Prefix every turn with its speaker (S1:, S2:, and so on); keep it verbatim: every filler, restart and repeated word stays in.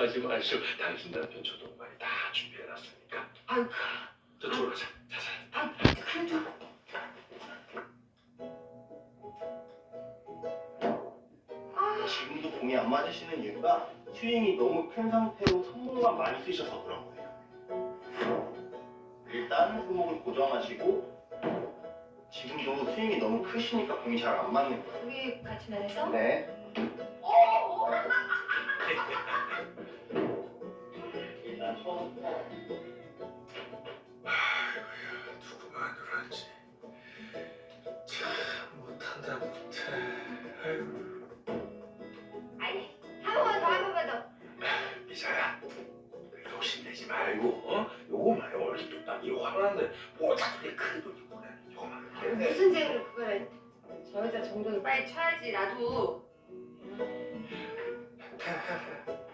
S1: 걱정하지 마시오. 당신 남편 조동반이 다 준비해놨으니까.
S2: 아이고,
S1: 저쪽으로 가자. 자자.
S2: 아, 그래도 아,
S3: 지금도 공이 안 맞으시는 이유가 스윙이 너무 큰 상태로 손목만 많이 쓰셔서 그런 거예요. 일단 손목을 고정하시고 지금도 스윙이 너무 크시니까 공이 잘 안 맞는 거예요.
S2: 우리 같이 만해서?
S3: 네.
S2: 오, 오.
S3: 일단 처음부터
S1: 아이고야, 누구 마누라지. 참 못한다 못해. 아이고.
S2: 아이, 한 번만 더, 한 번만 더.
S1: 미사야, 욕심내지 말고, 어? 요거만 해. 어렸을 때딱이 화나는데 뭐 자꾸 내 큰 돈이 보내. 요거만 이렇게 해.
S2: 무슨 죄로 그거를? 저 여자 정동이 빨리 쳐야지, 나도.
S1: 해, 해, 해.